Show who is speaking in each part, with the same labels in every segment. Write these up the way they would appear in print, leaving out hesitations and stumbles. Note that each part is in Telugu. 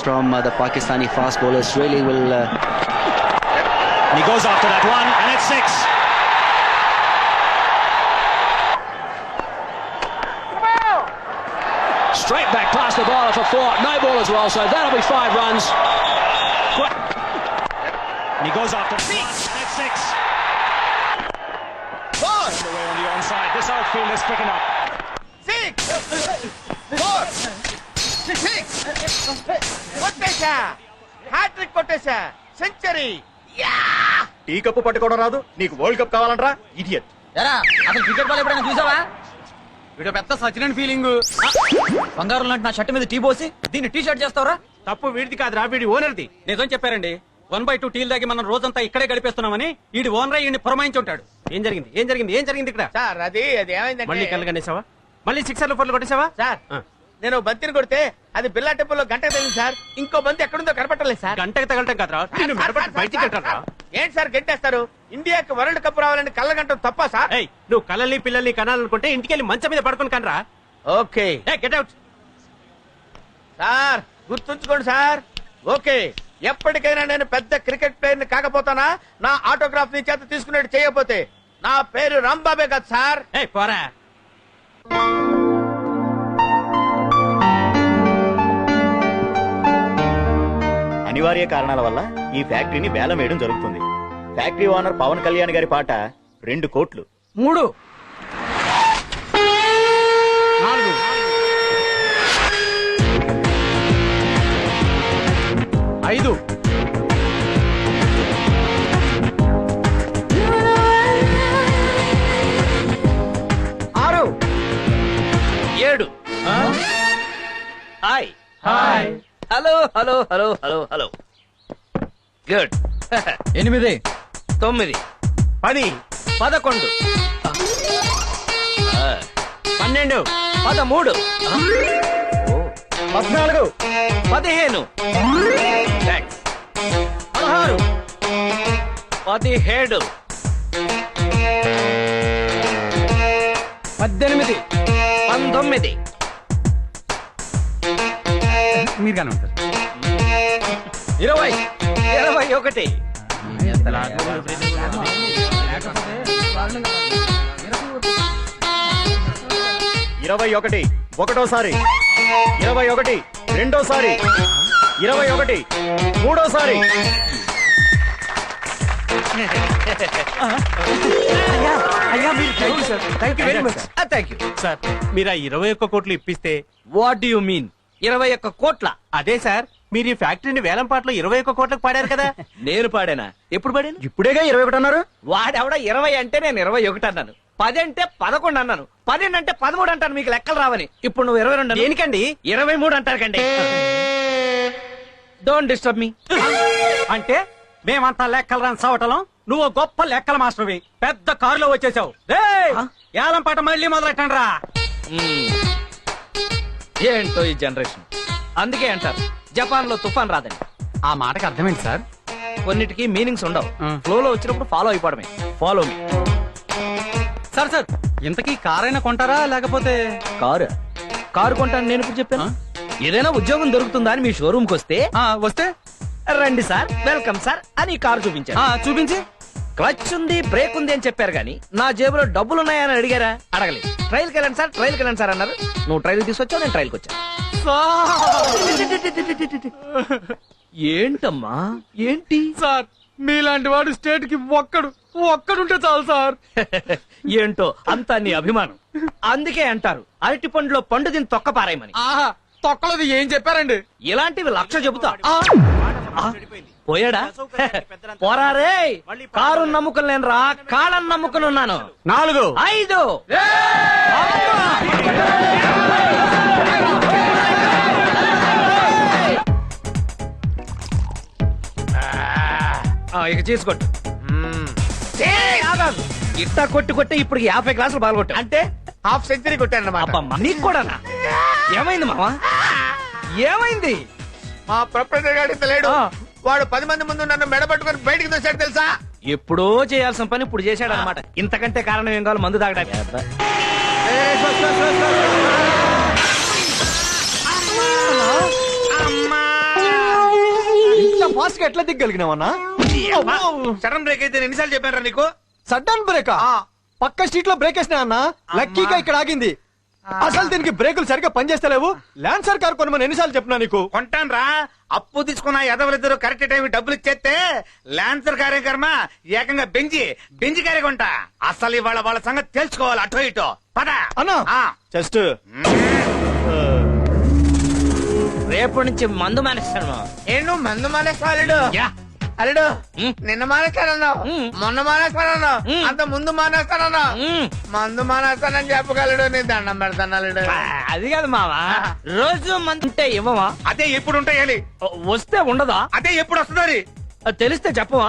Speaker 1: from the Pakistani fast bowlers really will.
Speaker 2: And he goes after that one, and it's 6.
Speaker 3: Straight back past the bowler for 4. No ball as well, so that'll be 5 runs.
Speaker 2: And he goes after 6, and it's 6.
Speaker 4: Four,
Speaker 2: Away on the onside. This outfield is picking up.
Speaker 4: 6, 4, 6. కొట్టేశా, హ్యాట్రిక్ కొట్టేశా, సెంచరీ.
Speaker 5: టీ కప్పు పట్టుకోవడం రాదు నీకు వరల్డ్ కప్ కావాలంటరా ఇడియట్.
Speaker 6: ఎరా అసలు క్రికెట్ బాల్ ఎప్పుడైనా చూసావా? వీడు పెద్ద సచిన్ ఫీలింగ్. బంగారం లాంటి నా షర్ట్ మీద టీ పోసి దీన్ని టీ షర్ట్ చేస్తావరా?
Speaker 7: తప్పు వీడిది కాదురా, వీడి ఓనర్ది.
Speaker 6: నిజం చెప్పారండి. 1/2 టీల్ దాగి మనం రోజంతా ఇక్కడే గడిపేస్తున్నామని ఈడి ఓనర్ ఈయన్ని పురమాయించి ఉంటాడు.
Speaker 7: ఏం జరిగింది ఇక్కడ?
Speaker 4: సార్ అది ఏమైందంటే
Speaker 7: మళ్ళీ కళ్ళు కనేసావా? మళ్ళీ 6 4 కొట్టేసావా?
Speaker 4: సార్ నేను బంతిని కొడితే అది బిల్లా టెంపుల్లో గంట తగిలింది సార్. ఇంకో బంతి ఎక్కడుందో కనపట్టలేదు సార్.
Speaker 7: గంటకి తగలటం కాదురా, నిన్ను మెడపట్టి బయటికి వెళ్తారా?
Speaker 4: ఏంటి సార్ గంటేస్తారు? ఇండియాకి వరల్డ్ కప్ రావాలని కళ్ళ గంట తప్ప సార్?
Speaker 7: ఏయ్, నువ్వు కళ్ళని పిల్లల్ని కనాలనుకుంటే ఇంటికి వెళ్ళి మంచం మీద పడుకొని కనరా.
Speaker 4: Okay
Speaker 7: get out.
Speaker 4: సార్ గుర్తుంచుకోండి సార్. ఓకే, ఎప్పటికైనా నేను పెద్ద క్రికెట్ ప్లేయర్ ని కాకపోతానా నా ఆటోగ్రాఫ్ ని చేత తీసుకునేట్టు చేయకపోతే నా పేరు రాంబాబే కదా సార్.
Speaker 7: ఏయ్ పోరా.
Speaker 5: అనివార్య కారణాల వల్ల ఈ ఫ్యాక్టరీని వేలం వేయడం జరుగుతుంది. ఫ్యాక్టరీ ఓనర్ పవన్ కళ్యాణ్ గారి పాట 2 కోట్లు.
Speaker 6: 3
Speaker 7: 4 5
Speaker 6: 6
Speaker 4: 7 hi
Speaker 6: hi
Speaker 4: hello hello hello hello hello good
Speaker 6: 8
Speaker 4: 9
Speaker 7: 10
Speaker 4: 11
Speaker 7: 12
Speaker 4: 13
Speaker 5: 14
Speaker 4: 15 thanks 16 17
Speaker 6: 18
Speaker 4: 19
Speaker 6: మీరు కానీ ఉంటారు.
Speaker 4: 20 21
Speaker 5: 21 ఒకటోసారి, 21 రెండోసారి, 21 మూడోసారి.
Speaker 6: అయ్యా మీరు thank you very much.
Speaker 4: Thank you
Speaker 7: sir, మీరు ఆ 21 కోట్లు ఇప్పిస్తే.
Speaker 4: వాట్ డు యు మీన్ 21 కోట్ల?
Speaker 7: అదే సార్, మీరు ఈ ఫ్యాక్టరీని వేలం పాటలో 21 కోట్లకు పాడారు కదా.
Speaker 4: నేను పాడానా? ఎప్పుడు పాడాను?
Speaker 5: ఇప్పుడేగా 21 అన్నారు.
Speaker 4: వాడెవడ 20 అంటే నేను 21 అన్నాను. 10 అంటే 11 అన్నాను. 12 అంటే 13 అంటాను. మీకు లెక్కలు రావని. ఇప్పుడు నువ్వు 22
Speaker 7: దేనికండి?
Speaker 4: 23 అంటారు కండి. Don't disturb me.
Speaker 6: అంటే మేమంతా లెక్కలు రాని సవటలం, నువ్వు గొప్ప లెక్కల మాస్టర్వి. పెద్ద కారులో వచ్చేసావు. ఏలం పాట మళ్ళీ మొదలెట్టండి రా.
Speaker 4: ఏంటో ఈ జనరేషన్. అందుకే అంటారు జపాన్ లో తుఫాన్ రాదని.
Speaker 6: ఆ మాటకి అర్థమైంది సార్.
Speaker 4: కొన్నిటికి మీనింగ్స్ ఉండవు. ఫ్లో లో వచ్చినప్పుడు ఫాలో అయిపోవడమే. Follow me.
Speaker 6: సార్ సార్ ఇంతకీ కారైనా కొంటారా లేకపోతే?
Speaker 4: కారు కొంటాను నేను ఇప్పుడు చెప్పాను. ఏదైనా ఉద్యోగం దొరుకుతుందా అని మీ షోరూమ్ కి వస్తే
Speaker 6: వస్తే
Speaker 4: రండి సార్, వెల్కమ్ సార్ అని కారు చూపించాను.
Speaker 6: చూపించి
Speaker 4: క్లచ్ ఉంది, బ్రేక్ ఉంది అని చెప్పారు గానీ నా జేబులో డబ్బులు ఉన్నాయని అడిగారా? అడగలేదు. ట్రైల్ కి వెళ్ళండి సార్, ట్రైల్ కి వెళ్ళండి సార్ అన్నారు. నువ్వు ట్రైల్ తీసుకొచ్చావు, నేను ట్రైల్ కి వచ్చాను. ఏంటమ్మా ఏంటి
Speaker 6: సార్ మీలాంటి వాడు స్టేట్ కి ఒక్కడుంటే చాలు సార్.
Speaker 4: ఏంటో అంతా నీ అభిమానం. అందుకే అంటారు అరటి పండులో పండు దీన్ని తొక్క పారాయమని.
Speaker 6: తొక్కలది ఏం చెప్పారండి?
Speaker 4: ఇలాంటివి 1,00,000 చెబుతా. పోయాడా? పోరారే. కారు నమ్ముకుని నేను రా, కాళ్ళని నమ్ముకుని ఉన్నాను.
Speaker 7: 4
Speaker 4: 5 ఇక చేసుకోట్టు. ఇట్టా కొట్టి ఇప్పుడు 50 గ్లాసులు పాల్గొట్టా. అంటే
Speaker 8: హాఫ్ సెంచరీ కొట్టాను అన్నమాట.
Speaker 4: నీకు కూడానా? ఏమైంది మావా? ఏమైంది?
Speaker 8: మా ప్రొపరేటర్ గారు ఇంత లేడు. వాడు 10 మంది ముందు నన్ను మెడబట్టుకుని బయటికి తోసాడు తెలుసా?
Speaker 4: ఎప్పుడో చేయాల్సిన పని ఇప్పుడు చేశాడు అనమాట. ఇంతకంటే కారణం ఏం కావాలి? మందు తాగడానికి.
Speaker 8: అమ్మా
Speaker 9: రివర్స్ గా ఎట్లా దిగ్గలిగినావన్నా?
Speaker 8: సడన్ బ్రేక్ అయితే ఎన్నిసార్లు చెప్పారా నీకు?
Speaker 9: సడన్ బ్రేక్ పక్క స్ట్రీట్ లో బ్రేక్ వేసినా అన్న, లక్కీగా ఇక్కడ ఆగింది. అసలు దీనికి బ్రేకులు సరిగ్గా పనిచేస్తలేవు. ల్యాన్సర్ కార్ కొనమని ఎన్నిసార్లు చెప్పినా నీకు?
Speaker 8: కొంటాను రా, అప్పు తీసుకున్న ఎదవలిద్దరు కరెక్ట్ టైం డబ్బులు ఇచ్చేస్తే ల్యాన్సర్ కార్యక్రమ ఏకంగా బెంజి కార్య కొంటా. అసలు ఇవాళ వాళ్ళ సంగతి తెలుసుకోవాలి. అటో ఇటో పద
Speaker 9: అన్నా
Speaker 8: ఆ.
Speaker 9: జస్ట్
Speaker 3: రేపటి నుంచి మందు మానేస్తాను.
Speaker 4: ఏను మందు మానేస్తాడు అల్లుడు. నిన్న మానేస్తానన్నావు, మొన్న మానేస్తానన్నావు, అంత ముందు మానేస్తానన్నావు. మందు మానేస్తానని చెప్పగలడు. నీ దండం పెడతాను అల్లుడు.
Speaker 3: అది కాదు మావా, రోజు మందు ఉంటే ఇవ్వవా?
Speaker 8: అదే ఎప్పుడు ఉంటాయాలి,
Speaker 3: వస్తే ఉండదా?
Speaker 8: అదే ఎప్పుడు వస్తుంది
Speaker 3: తెలిస్తే చెప్పవా?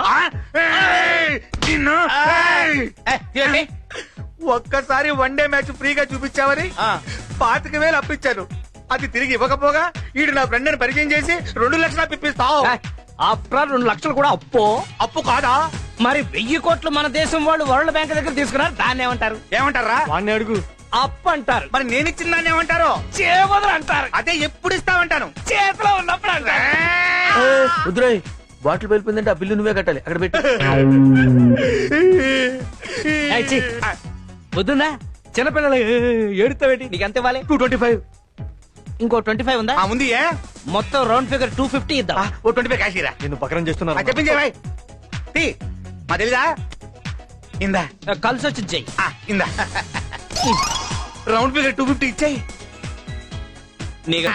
Speaker 8: ఒక్కసారి వన్ డే మ్యాచ్ ఫ్రీగా చూపించావని 25,000 అప్పించాను. అది తిరిగి ఇవ్వకపోగా ఈడు నా ఫ్రెండ్ ని పరిచయం చేసి 2 లక్షలు పిప్పిస్తావు.
Speaker 3: ఆఫ్టర్ 2 లక్షలు కూడా
Speaker 8: అప్పు కాదా?
Speaker 3: మరి 1000 కోట్లు మన దేశం వాళ్ళు వరల్డ్ బ్యాంక్ దగ్గర తీసుకున్నారు. దాన్ని ఏమంటారు?
Speaker 8: ఏమంటారా?
Speaker 9: వాడిని అడుగు.
Speaker 3: అప్పు అంటారు.
Speaker 8: మరి నేను ఇచ్చిన దాన్ని ఏమంటారు?
Speaker 3: చేవదలు అంటారు.
Speaker 8: అదే ఎప్పుడు ఇస్తామంటాను.
Speaker 3: చేతిలో ఉన్నప్పుడు అంటారు.
Speaker 4: రుద్రాయ్ బాటిల్ వెళ్ళిపోయిందంటే ఆ బిల్లు నువ్వే కట్టాలి. అక్కడ పెట్టి
Speaker 3: వద్దుందా? చిన్నపిల్లలు ఏడుతావేటి? నీకు ఎంత ఇవ్వాలి?
Speaker 8: 225.
Speaker 3: ఇంకో 25 ఉందా?
Speaker 8: ఉంది.
Speaker 3: మొత్తం రౌండ్ ఫిగర్ 250 ఇద్దాం.
Speaker 8: ఓ 25 కాశీరా.
Speaker 9: నిన్ను పకరం చేస్తున్నారు.
Speaker 8: చెప్పించే భాయ్ మా తెలీదా? ఇందా
Speaker 3: కలిసి వచ్చి చెయ్యి.
Speaker 8: ఇందా రౌండ్ ఫిగర్ 250 ఇచ్చాయి.
Speaker 3: నీకు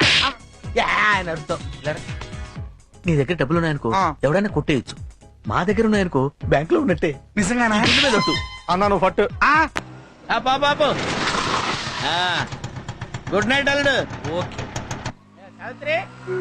Speaker 4: నీ దగ్గర డబ్బులు ఉన్నాయనుకో ఎవడైనా కొట్టేయచ్చు. మా దగ్గర ఉన్నాయనుకో బ్యాంక్ లో ఉన్నట్టే.
Speaker 8: నిజంగానా?
Speaker 9: అన్నా నువ్వు ఫట్.
Speaker 4: బాబు గుడ్ నైట్ అల్లుడు. ఓకే సావిత్రి,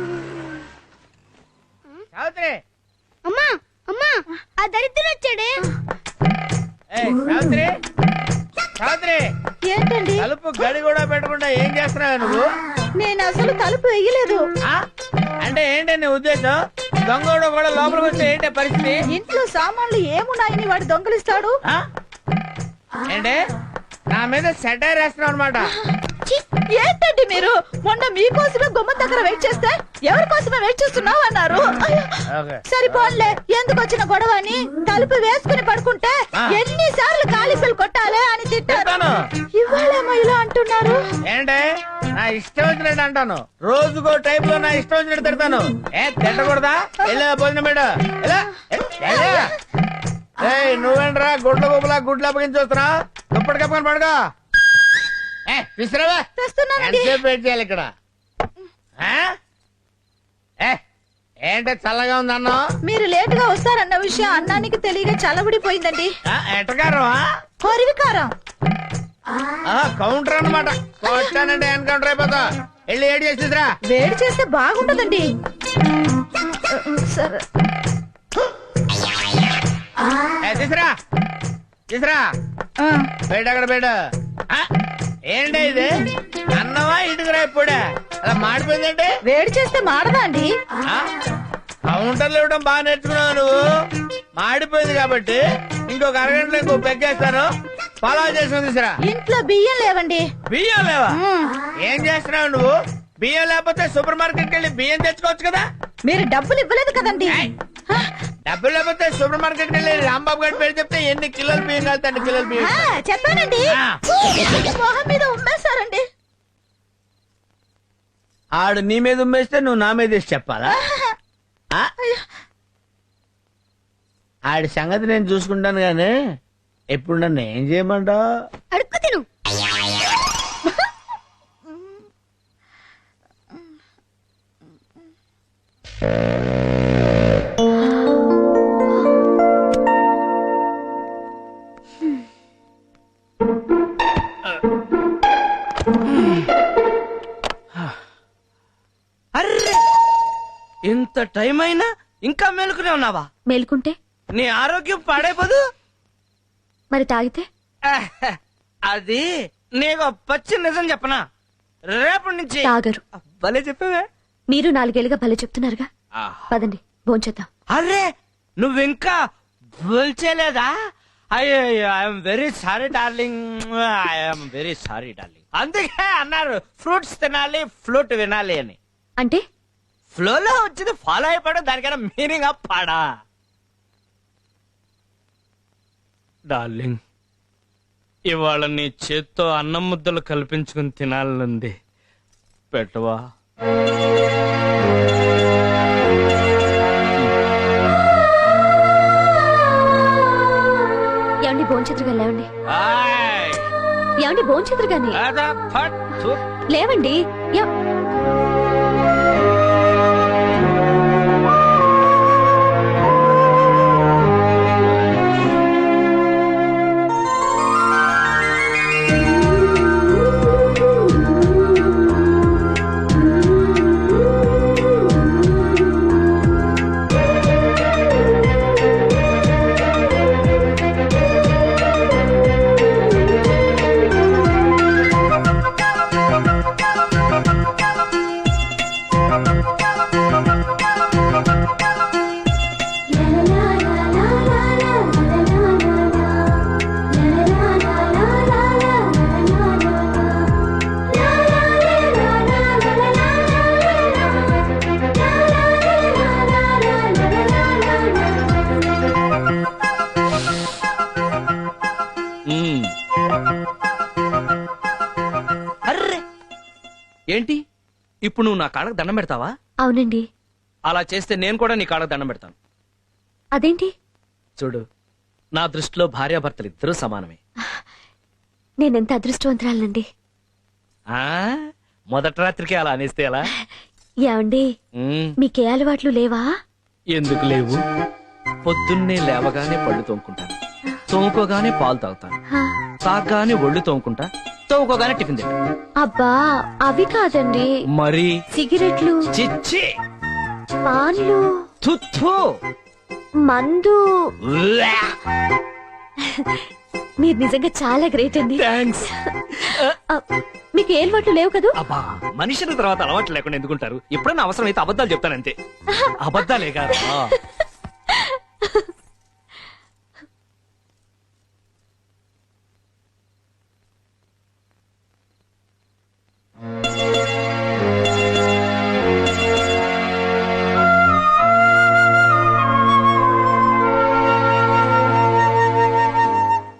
Speaker 4: సావిత్రి,
Speaker 10: అమ్మా అమ్మా ఆ దరిద్రుడు వచ్చాడే.
Speaker 4: సావిత్రి, సావిత్రి,
Speaker 10: ఏంటండి?
Speaker 4: తలుపు గడి కూడా పెట్టకుండా ఏం చేస్తున్నావు నువ్వు?
Speaker 10: నేను అసలు తలుపు వేయలేదు.
Speaker 4: అంటే ఏంటి నీ ఉద్దేశం? దొంగోడు కూడా లోపలికి వస్తే ఏంటి పరిస్థితి?
Speaker 10: ఇంట్లో సామాన్లు ఏమున్నాయని వాడు దొంగలిస్తాడు.
Speaker 4: ఏంటి నా మీద సెటైర్ వేస్తున్నావు అనమాట?
Speaker 10: ఏంటండి మీరు? మొన్న మీకోసమే గుమ్మ దగ్గర వెయిట్ చేస్తే ఎవరి కోసమే వెయిట్ చేస్తున్నావు అన్నారు. సరిపోన్లే, ఎందుకు వచ్చిన గొడవ అని తలుపు వేసుకుని పడుకుంటే ఎన్నిసార్లు కాలిపిల్ కొట్టాలి అని తిట్టాను. ఇవాళేమో ఇలా అంటున్నారు.
Speaker 4: ఏంటి నా ఇష్టం వచ్చినట్టు అంటాను, రోజుకో టైప్ లో నా ఇష్టం వచ్చినట్టు తిడతాను. తిట్టకూడదా? వెళ్ళా భోజనం పెట్ట. నువ్వేంట్రా గుడ్ల గోపులా గుడ్లు అప్పగించి వస్తున్నా? దుప్పటి కప్పుకొని పడుకో. విసిరావా? ఎంతసేపు వెయిట్ చేయాలి ఇక్కడ? ఏంటి చల్లగా ఉంది అన్నం?
Speaker 10: మీరు లేట్ గా వస్తారన్న విషయం అన్నానికి తెలియక చల్లబడిపోయిందండి.
Speaker 4: ఎట్టకారమా?
Speaker 10: హరివికారం.
Speaker 4: కౌంటర్ అన్నమాట. వచ్చానంటే ఎన్కౌంటర్ అయిపోతా. వెళ్ళి ఏడు చేసిరా.
Speaker 10: వేడి చేస్తే బాగుంటదండి. సరే
Speaker 4: తీసురా, తీసురా. బయట అక్కడ బయట. ఏంటి ఇది? అన్నవా ఇటుకురా? ఇప్పుడే అలా మాడిపోయిందంటే
Speaker 10: వేడి చేస్తే మాడదా అండి?
Speaker 4: కౌంటర్లు ఇవ్వడం బాగా నేర్చుకున్నావు నువ్వు. మాడిపోయింది కాబట్టి ఇంకొక అరగంటలో ఇంకో పెగ్గేస్తాను. పలావ్ చేసుకుని తీసురా.
Speaker 10: ఇంట్లో బియ్యం లేవండి.
Speaker 4: బియ్యం లేవా? ఏం చేస్తున్నావు నువ్వు? బియ్యం లేకపోతే సూపర్ మార్కెట్ కెళ్ళి బియ్యం తెచ్చుకోవచ్చు కదా.
Speaker 10: మీరు డబ్బులు ఇవ్వలేదు కదండి.
Speaker 4: డబ్బులు లేకపోతే సూపర్ మార్కెట్ కెళ్ళి రాంబాబు గారి పేరు చెప్తే ఎన్ని కిలోలు బియ్యం కలుతాయండి? కిలోలు బియ్యం
Speaker 10: చెప్పానండి. మొహం మీద ఉమ్మేశారండి.
Speaker 4: ఆడు నీ మీద ఉమ్మేస్తే నువ్వు నా మీద వేసి చెప్పాలా? ఆడి సంగతి నేను చూసుకుంటాను గానీ ఎప్పుడు నన్ను ఏం చేయమంటావు?
Speaker 10: అడుక్కు తిను.
Speaker 3: అర్రే, ఇంత టైం అయినా ఇంకా మేలుకునే ఉన్నావా?
Speaker 10: మేలుకుంటే
Speaker 3: నీ ఆరోగ్యం పాడైపోదు.
Speaker 10: మరి తాగితే?
Speaker 3: అది నీకు పచ్చి నిజం చెప్పనా? రేపటి నుంచి
Speaker 10: తాగరు.
Speaker 3: భలే చెప్పవే.
Speaker 10: మీరు 4 ఏళ్ళుగా భలే చెప్తున్నారుగా. పదండి భోంచేద్దాం.
Speaker 3: అరే నువ్వింకా భూల్చేలేదా? I'm very sorry darling, I'm very sorry darling. అందుకే అన్నారు ఫ్రూట్స్ తినాలి, ఫ్లూట్ వినాలి అని.
Speaker 10: అంటే
Speaker 3: ఫ్లోలో వచ్చింది ఫాలో అయిపోవడం దానికైనా మీనింగ్ పాడా. డార్లింగ్, ఇవాళ నీ చేత్తో అన్నం ముద్దలు కల్పించుకుని తినాలనుంది, పెట్టవా?
Speaker 10: ఏమండి భోంచేతురుగా లేవండి. ఏమండి భోంచేతురుగాని లేవండి.
Speaker 3: అర్రే, ఏంటి ఇప్పుడు నువ్వు నా కాళ్ళకు దండం పెడతావా?
Speaker 10: అవునండి.
Speaker 3: అలా చేస్తే నేను కూడా నీ కాళ్ళకు దండం పెడతాను.
Speaker 10: అదేంటి?
Speaker 3: చూడు, నా దృష్టిలో భార్యాభర్తలు ఇద్దరూ సమానమే.
Speaker 10: నేనెంత అదృష్టవంతురాలండి.
Speaker 3: ఆ మొదటి రాత్రికి అలా అనేస్తే ఎలా?
Speaker 10: ఏమండి మీకే అలవాట్లు లేవా?
Speaker 3: ఎందుకు లేవు? పొద్దున్నే లేవగానే పళ్ళు తోముకుంటాను, తోముకోగానే పాలు తాగుతాను, తాగగానే ఒళ్ళు తోముకుంటా, తోముకోగానే టిఫిన్ తింటా.
Speaker 10: అబ్బా అవి కాదండి.
Speaker 3: మరి
Speaker 10: సిగరెట్లు,
Speaker 3: చిచ్చి,
Speaker 10: పాన్లు,
Speaker 3: తుత్తు,
Speaker 10: మందు. మీరు నిజంగా చాలా గ్రేట్ అండి.
Speaker 3: థాంక్స్.
Speaker 10: మీకు ఏ అలవాట్లు లేవు కదూ?
Speaker 3: అబ్బా, మనుషుల తర్వాత అలవాట్లు లేకుండా ఎందుకుంటారు? ఎప్పుడన్నా అవసరం అయితే అబద్ధాలు చెప్తానంతే. అబద్ధాలే కాదు.